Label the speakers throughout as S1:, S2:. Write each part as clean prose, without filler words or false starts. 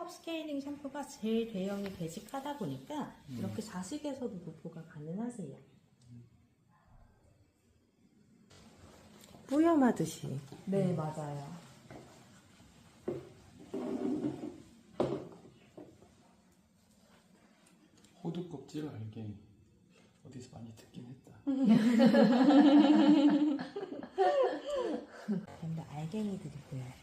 S1: 톤업 스케일링 샴푸가 제일 대형이 베직하다 보니까 이렇게 자식에서도 도포가 가능하세요.
S2: 뿌염하듯이.
S1: 네, 맞아요.
S3: 호두 껍질 알갱이 어디서 많이 듣긴 했다.
S1: 전부 알갱이들이 보여요.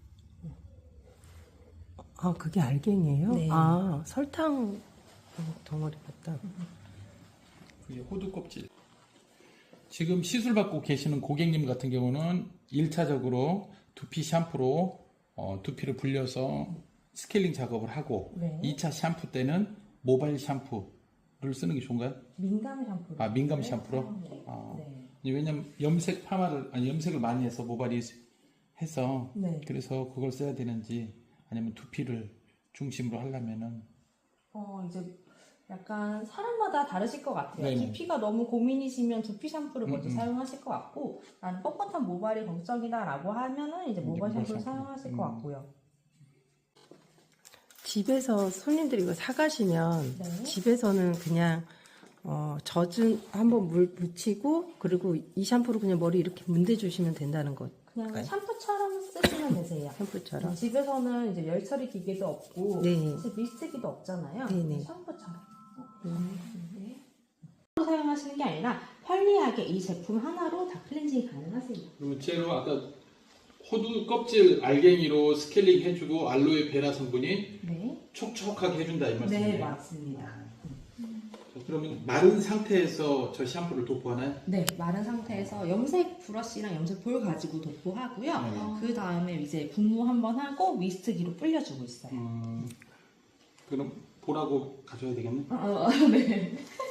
S2: 아, 그게 알갱이에요?
S1: 네.
S2: 아, 설탕 덩어리 같다.
S3: 그게 호두 껍질. 지금 시술 받고 계시는 고객님 같은 경우는 1차적으로 두피 샴푸로 두피를 불려서 스케일링 작업을 하고
S1: 네.
S3: 2차 샴푸 때는 모바일 샴푸를 쓰는 게 좋은가요?
S1: 민감 샴푸로.
S3: 아, 민감 샴푸로?
S1: 네.
S3: 아.
S1: 네.
S3: 왜냐면 염색을 많이 해서 모발이 해서
S1: 네.
S3: 그래서 그걸 써야 되는지 아니면 두피를 중심으로 하려면은
S1: 이제 약간 사람마다 다르실 것 같아요.
S3: 네네.
S1: 두피가 너무 고민이시면 두피 샴푸를 먼저 사용하실 것 같고, 난 뻣뻣한 모발이 걱정이다라고 하면은 이제 모발 샴푸를 사용하실 것 같고요.
S2: 집에서 손님들이 이거 사가시면
S1: 네.
S2: 집에서는 그냥 젖은 한번 물 묻히고 그리고 이 샴푸로 그냥 머리 이렇게 문대주시면 된다는 것.
S1: 그냥
S2: 네.
S1: 샴푸처럼 쓰시면 되세요.
S2: 샴푸처럼.
S1: 집에서는 이제 열 처리 기계도 없고,
S2: 네.
S1: 이제 미스트기도 없잖아요.
S2: 네네.
S1: 샴푸처럼. 네. 사용하시는 게 아니라 편리하게 이 제품 하나로 다 클렌징이 가능하세요.
S3: 그러면 제로 아까 호두 껍질 알갱이로 스케일링 해주고 알로에 베라 성분이
S1: 네.
S3: 촉촉하게 해준다 이 말씀이에요?
S1: 네, 맞습니다.
S3: 그러면 마른 상태에서 저 샴푸를 도포하나요?
S1: 네, 마른 상태에서 염색 브러쉬랑 염색 볼 가지고 도포하고요. 그 다음에 이제 분무 한번 하고 미스트기로 불려주고 있어요.
S3: 그럼 볼하고 가져야 되겠네?
S1: 네.